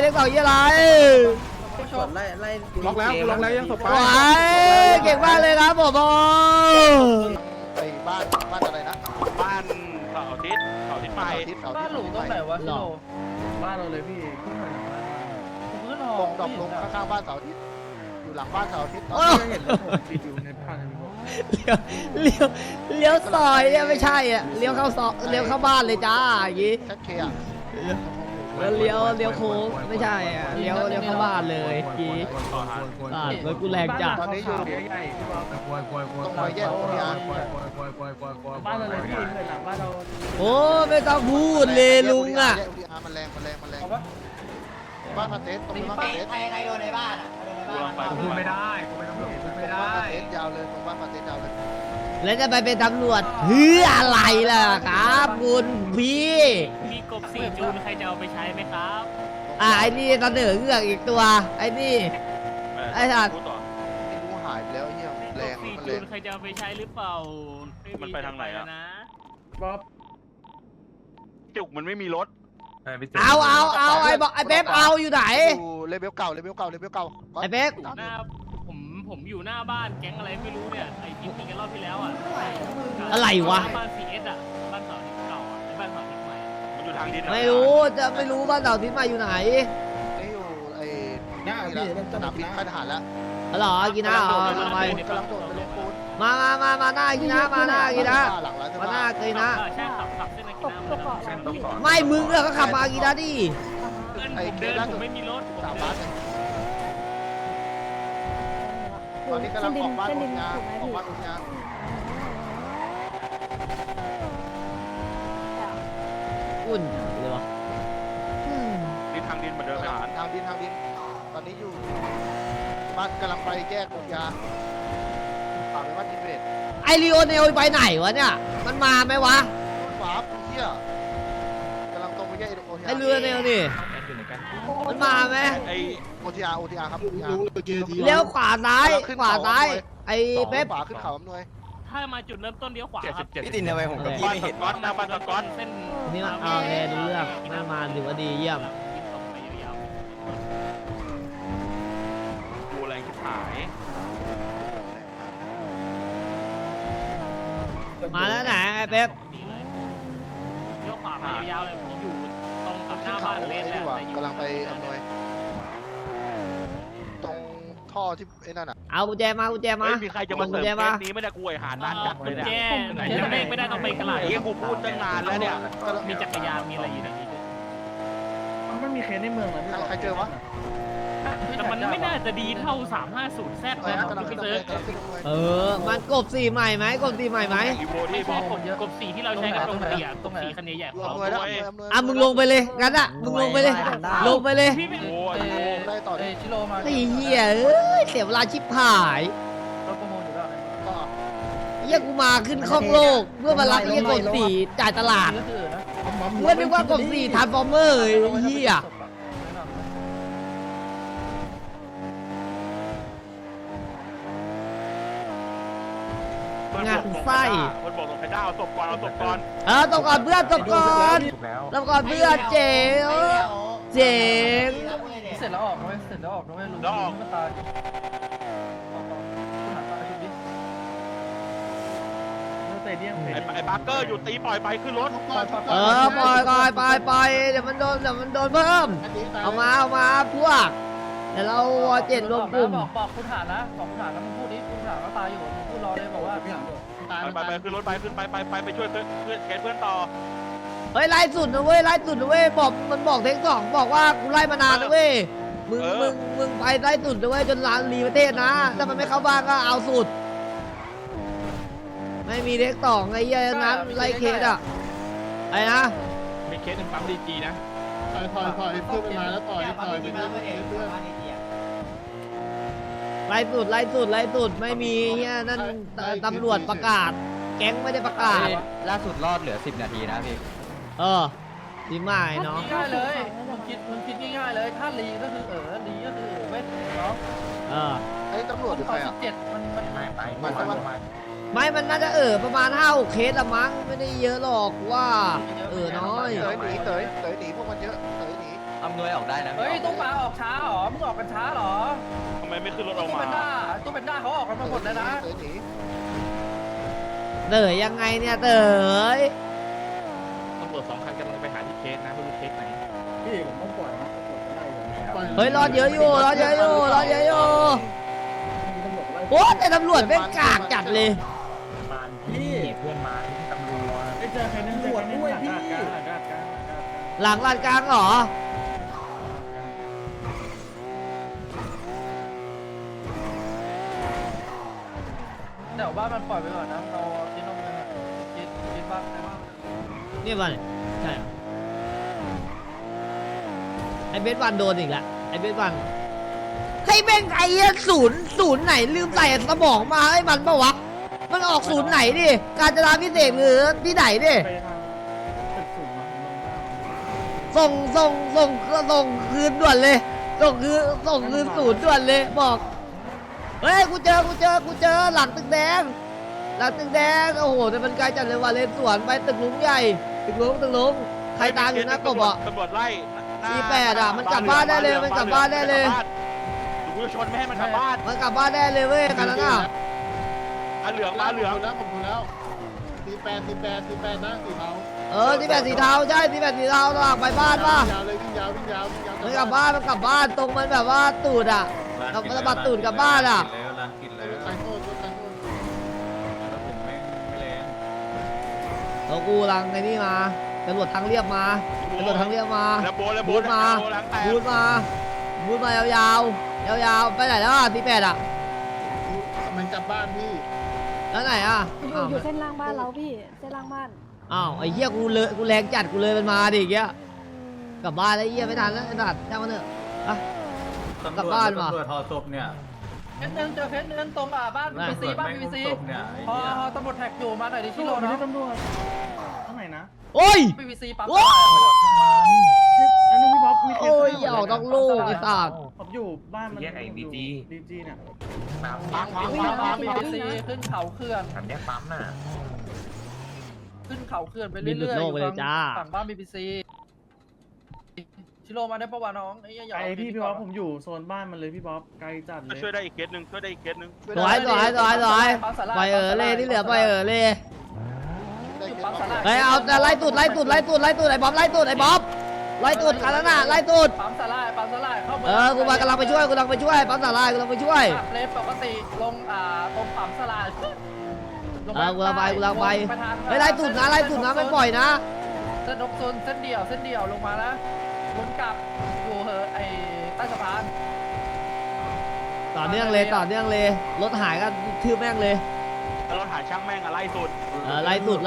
เด็กสองยี่อะไรไล่ล็อกแล้วกูล็อกแล้วยังศพไปว้ายเก่งมากเลยครับผมโอ้ไปบ้านอะไรนะบ้านเสาร์อาทิตย์ไปบ้านหลุมตรงไหนวะพี่โลบ้านเราเลยพี่ขึ้นหอตรงดอกลงข้างๆบ้านเสาร์อาทิตย์อยู่หลังบ้านเสาร์อาทิตย์ตอนโอ้นี้เห็นเลยผมติดอยู่ในบ้านเลี้ยวซอยเนี่ยไม่ใช่อ่ะเลี้ยวเข้าซอยเลี้ยวเข้าบ้านเลยจ้าอย่างงี้ชัดเคอ่ะแล้วเลี้ยวโค้งไม่ใช่อ่ะเลี้ยวเข้าบ้านเลยกี้รถกูแรงจัดตอนนี้อยู่ตรงรอยแยกโอริยานบ้านเราเลยพี่หลังบ้านเราโอ้ไม่ต้องพูดเลยลุงอ่ะแยกโอริยานมันแรงบ้านมาเตสตรงบ้านมาเตสใครโดนในบ้านอ่ะโดนในบ้านพูดไม่ได้กูเป็นตำรวจพูดไม่ได้มาเตสยาวเลยตรงบ้านมาเตสยาวเลยแล้วจะไปเป็นตำรวจเพื่ออะไรล่ะครับคุณพี่มีกบสี่จูนใครจะเอาไปใช้ไหมครับไอ้นี่เสนอเงือกอีกตัวไอ้นี่ ไอ้สัตว์ไม่รู้หายไปแล้วเฮียแรงสี่มันแรจูงนใครจะเอาไปใช้หรือเปล่ามันไปทางไหนอะนะบ๊อบจุกมันไม่มีรถเอาไอ้บอกไอ้เป๊ปเอาอยู่ไหนอยู่เลเวลเก่าไอ้เป๊ปผมอยู่หน้าบ้านแก๊งอะไรไม่รู้เนี่ยไอ้ที่มีกันรอบที่แล้วอ่ะอะไรวะบ้าน CS อ่ะบ้านเสาที่เก่าอ่ะไอ้บ้านเสาที่ใหม่มันอยู่ทางดินไม่รู้จะไม่รู้บ้านเสาทิศมาอยู่ไหนนี่อยู่ไอ้สนามบินค่ายทหารแล้วอ๋อเหรอกินนะอ๋อกำลังโดดไปลงปูนมาหน้ากินนะมาหน้ากินนะหลังร้านเสื้อมาหน้าผ้ากินนะใช่ขับเส้นนากินามาแล้วไม่มึงอะก็ขับมากินนะดิเพื่อนผมเดินผมไม่มีรถผมสามเดิบาทนตอนนี้กำลังออกบ้านอุทยานออกบ้านอุทยานอุ่นเลยวะดินทางดินเหมือนเดิมทหารทางดินตอนนี้อยู่บ้านกำลังไปแยกอุทยานฝากไปบ้านอินเวสไอรีโอเนลไปไหนวะเนี่ยมันมาไหมวะฝาปูเที่ยกำลังตรงไปแยกอุทยานไอเรือเนลนี่มันมาไหมไอ้อุทยานครับอุทยานเลี้ยวขวาซ้ายไอเป๊ปขวาขึ้นเขาอำนวยถ้ามาจุดเริ่มต้นเลี้ยวขวาครับพี่ตินทำไมผมกับพี่บ้านไม่สเห็นก๊อตหน้าบ้านสก๊อตเส้นนี่มันเอาแน่ดูเรื่องไม่มาถือว่าดีเยี่ยมดูแรงชิบหายมาแล้วไหนไอเป๊ปเลี้ยวขวามายาวๆเลยผมอยู่ตรงกับหขึ้น้านเขาบ้านไอ้เลนนี่แหละหว่าแต่อยู่กำลังไปอำนวยตรงท่อที่ไอ้นั่นอ่ะเอากุญแจมากุญแจมาไม่มีใครจะมาเสริมเคสนี้ไม่ได้กูไอ้หานานจัดเลยเนี่ยแย่ยังไม่ได้ต้องไปกระหล่ไอ้เหี้ยกูพูดตั้งนานแล้วเนี่ยมีจักรยานมีอะไรอยู่ในนี้ด้วยมันไม่มีเคสในเมืองเลยพี่ใครเจอวะแต่มันไม่น่าจะดีเท่า 350 แซดอะไรนะนะกำลังขึ้พี่นเซิร์ฟกำลังขึ้นอำนวยมันกบสีใหม่ไหมกบสีใหม่ไหมอีโวที่ไม่บอใช่กกบสีที่เราใช้กันตรงเตียกบสีคันใหญ่ๆอำนวยแล้วอำนวยอ่ะมึงลงไปเลยงั้นอ่ะมึงลงไปเลยลงไปเลยพี่ไม่โอ้ยได้ต่อดิชิโร่มาไอ้เหี้ยเอ้ยเสียเวลาชิบหายรถประมูลอยู่แล้วก็เหี้ยกูมาขึ้นข้องโลกเพื่อมารับเหี้ยกบสีจ่ายตลาดก็คือนะเพื่อนนึกว่ากบสีทาร์ฟอร์เมอร์ไอ้เหี้ยมันบอกตรงไข่ดาวตบก่อนเอาตบก่อนตบก่อนเพื่อนตบก่อนตบก่อนเพื่อนเจ๋งเจ๋งเสร็จแล้วออกนะเว้ยเสร็จแล้วออกนะเว้ยลุงมันตายคุณหาตายชุดนี้เตเดียมไอ้บาร์เกอร์อยู่ตีปล่อยไปขึ้นรถปล่อยไปเดี๋ยวมันโดนเพิ่มเอามาพวกเดี๋ยวเราเจ็ดรวมกลุ่มบอกคุณหานะบอกคุณหานะมึงพูดดิคุณหาว่าตายอยู่มึงพูดรอเลยบอกว่าไปขึ้นรถไปขึ้นไปช่วยเพื่อนแกเพื่อนต่อเฮ้ยไล่สุดนะเว้ยบอกมันบอกเทคสองบอกว่ากูไล่มานานนะเว้ยมึงไปไล่สุดนะเว้ยจนร้านรีประเทศนะถ้ามันไม่เข้าบ้านก็เอาสุดไม่มีเทคสองไอ้เหี้ยนั้นไล่เคสอ่ะไอ้นะมีเคสหนึ่งปั๊มดีจีนะถอยเพื่อนมาแล้วต่อยไปเพื่อนไล่สุดไม่มีเหี้ยนั่นตำรวจประกาศ แก๊งไม่ได้ประกาศล่าสุดรอดเหลือ10 นาทีนะพี่ดีมากเนาะง่ายเลยมึงคิดง่ายๆเลยถ้าลีก็คือลีก็คือเว้ยเนาะไอ้ตำรวจหรือใครอ่ะ 17มันไม่มันน่าจะประมาณ5-6เคสละมั้งไม่ได้เยอะหรอกว่าน้อยเต๋ยหนีพวกมันเยอะเต๋ยหนีอำนวยออกได้นะเฮ้ยตู้ปลาออกช้าเหรอมึงออกกันช้าเหรอทำไมไม่ขึ้นรถออกตู้มาเป็นด้าเขาออกกันมาหมดแล้วนะเต๋อหนีเต๋อยังไงเนี่ยเต๋อตำรวจ2 คันกำลังไปหาที่เคสนะไม่รู้เคสไหนพี่ผมต้องปล่อยนะปล่อยก็ได้อยู่เฮ้ยรอเยอะอยู่รอเยอะอยู่โอ้แต่ตำรวจเป็นกากจัดเลยพี่เพื่อนมาที่ตำรวจไปเจอใครนั่นตำรวจด้วยพี่หลังลานกลางเหรอเดี๋ยวบ้านมันปล่อยไปก่อนนะเราคิดนมเลยคิดบ้างได้บ้างนี่วันใช่เหรอไอเบสวันโดนอีกแล้วไอเบสวันให้แม่งไอ้ศูนย์ไหนลืมใส่สมองมาให้มันปะวะมันออกศูนย์ไหนดิการจราพิเศษหรือที่ไหนดิไปทางตึกสูงมาส่งคืนด่วนเลยส่งคืนศูนย์ด่วนเลยบอกเฮ้ยกูเจอหลังตึกแดงโอ้โหแต่มันไกลจัดเลยว่ะเลนสวนไปตึกลุงใหญ่ตึกลุงใครตามอยู่นะกบอ่ะตำรวจไล่ 48อ่ะมันกลับบ้านได้เลยมันกลับบ้านได้เลยกูจะชนไม่ให้มันกลับบ้านมันกลับบ้านได้เลยเว้ยกันนั้นอ่ะมาเหลืองผมดูแล้ว48นะสีเทาที่แบบสีเทาใช่ที่แบบสีเทาระหว่างไปบ้านป่ะยาวเลยวิ่งยาวมันกลับบ้านตรงมันแบบว่าตูดอ่ะกับมันบัดตูดกลับบ้านอ่ะใส่โทษเรากูรังไอ้นี่มาตำรวจทางเรียบมาแล้วโบนบูทมาล้างแตกบูทมายาวๆไปไหนแล้วอ่ะ48อ่ะมันกลับบ้านพี่แล้วไหนอ่ะอยู่เส้นล่างบ้านเราพี่ เส้นล่างบ้านอ้าวไอ้เหี้ยกูแรงจัดกูเลยมันมาดิอย่างเงี้ยกลับบ้านแล้วไอ้เหี้ยไม่ทันแล้วไอ้สัตว์ช่างมันเถอะอะกลับบ้านว่ะตำรวจทอศพเนี่ยเคสหนึ่งเจอเคสหนึ่งตรงบ้าน BBC บ้าน BBC พอตำรวจแท็กอยู่มาหน่อยดิชิโร่ไม่เนาะใช่ตำรวจข้างไหนนะโอ้ย BBC ปั๊มโอ้ยอันนี้พี่บ๊อบมีเคสโอ้ยอย่าออกนอกลูกไอ้สัตว์ผมอยู่บ้านมันแยกไอ้ดีจีเนี่ย BBC ขึ้นเขาเขื่อนอันนี้ปั๊มน่ะขึ้นเขาเขื่อนไปเรื่อยๆอยู่ฝั่งบ้าน BBC ชิโร่มาได้ปะวะน้องไอ้ยาไอพี่บ๊อบผมอยู่โซนบ้านมันเลยพี่บ๊อบไกลจัดเลยช่วยได้อีกเคสหนึ่งสวยปล่อยเลยที่เหลือปล่อยเลย เฮ้ยเอาแต่ไล่ตูดไอ้บ๊อบไล่ตูดกันแล้วน่ะไล่ตูดปั๊มสลายเข้าเมืกูมากำลังไปช่วยปั๊มสาลายกำลังไปช่วยเลนปกติลงตรงปั๊มสลายกูลังไปเฮ้ยไล่ตูดนะไม่ปล่อยนะเส้นนกโซนเส้นเดี่ยวลงมานะลงกลับอยู่ไอ้ใต้สะพานต่อเนื่องเลยรถหายก็ทืบแม่งเลยแล้วเราหาช่างแม่งอะไล่สุดไล่สุดไฮ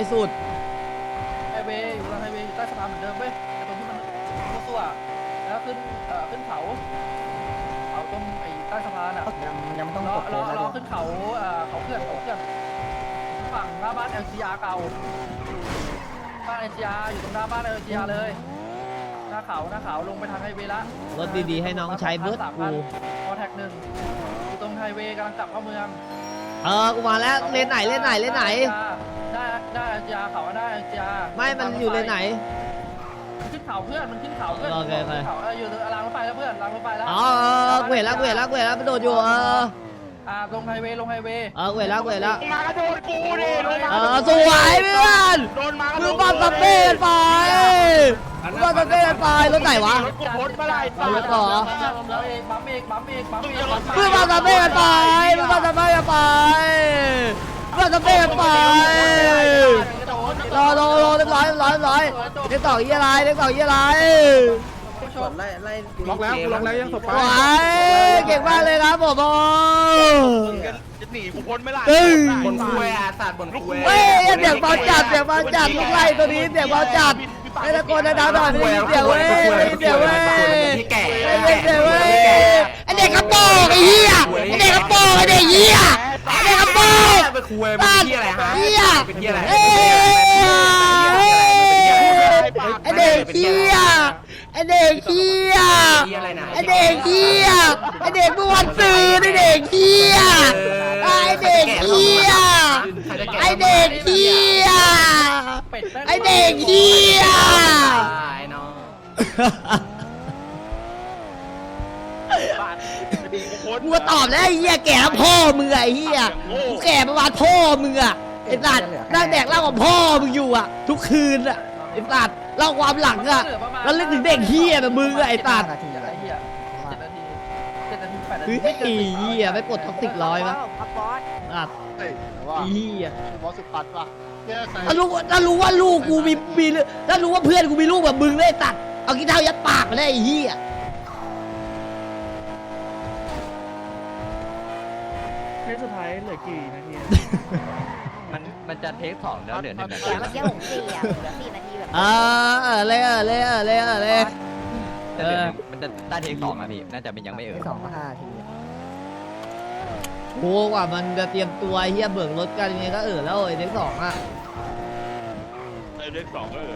เวย์อยู่ไฮเวย์ใต้สะพานเหมือนเดิมเว้ยแต่ตรงที่มันตัวแล้วขึ้นเขาตรงไอ้ใต้สะพานอ่ะยังต้องรอขึ้นเขาเขื่อนฝั่งหน้าบ้าน LGR เก่าบ้าน LGR อยู่ตรงหน้าบ้าน LGR เลยหน้าเขาลงไปทางไฮเวย์ละรถดีๆให้น้องใช้เบิร์ดกูพอแท็ก1อยู่ตรงไฮเวย์กำลังกลับเข้าเมืองกูมาแล้วเลนไหนได้ยาเขาได้ยาไม่มันอยู่เลนไหนมันขึ้นเขาเพื่อนโอเคเขาอยู่รางรถไฟแล้วเพื่อนรางรถไฟแล้วอ๋อกูเห็นแล้วมันโดดอยู่ลงไฮเวย์กูเห็นแล้วมากระโดดกูดิลงมาสวยเพื่อนโดนมามึงปั๊มสเปนไปรถไหนวะรถกูพ้นมาไล่เอารถต่อปั๊มเอกมึงปั๊มสเปนไปรอเรียบร้อยเรียกต่อยี่อะไรล็อกแล้วยังศพไปว้ายเก่งมากเลยครับผมจะหนีกูพ้นไม่ไล่บนคุยอ่ะศาสตร์บนคุยเฮ้ยเสียงเบาจัดลูกไล่ตัวนี้เสียงเบาจัดไอ้ตะโกนดังๆหน่อยไม่ได้ยินเสียงเว้ยไอ้เด็กกระโปรงไอ้เหี้ยไอ้เด็กกระโปรงไอ้เด็กเหี้ยไปคุยเป็นที่อะไรฮะเหี้ยเป็นที่อะไรไอ้เด็กเหี้ยไอ้เด็กเมื่อวันซื้อไอ้เด็กเหี้ยไอ้เด็กเหี้ยไอ้เด็กเหี้ยเป็ดไอ้เด็กเหี้ยไอ้น้องกูก็ตอบแล้วไอ้เหี้ยแก่พ่อมึงอะไอ้เหี้ยกูแก่ประมาณพ่อมึงอะไอ้สัตว์นั่งแดกเหล้ากับพ่อมึงอยู่อะทุกคืนอะไอ้สัตว์เล่าความหลังอะแล้วเล่นถึงเด็กเหี้ยแบบมึงอะไอ้สัตว์ไอ้เหี้ย7 นาที7 นาที8 นาเฮ้ทียไม่เกินไอ้ 10 เหี้ยไม่ปลดท็อกซิก100ปะอ่ะเฮ้ยแต่ว่าไอ้เหี้ยบอสสุดปัดว่ะแก้ใส่ถ้ารู้ว่าลูกกูมีถ้ารู้ว่าเพื่อนกูมีลูกแบบมึงเลยไอ้สัตว์เอากีเท้ายัดปากมาได้ไอ้เหี้ยเทสสุดท้ายเหลือกี่นาทีมันจะเทค2แล้วเหลือ1 นาทีเมื่อกี้ผม4 อ่ะเหลือ4 นาทีแบบเลยมันจะได้เทค2อ่ะพี่น่าจะเป็นยังไม่โอ้กว่ามันจะเตรียมตัวเฮียเบิกรถกันยังไงก็แล้วไอ้เด็กสองอ่ะเลข2ก็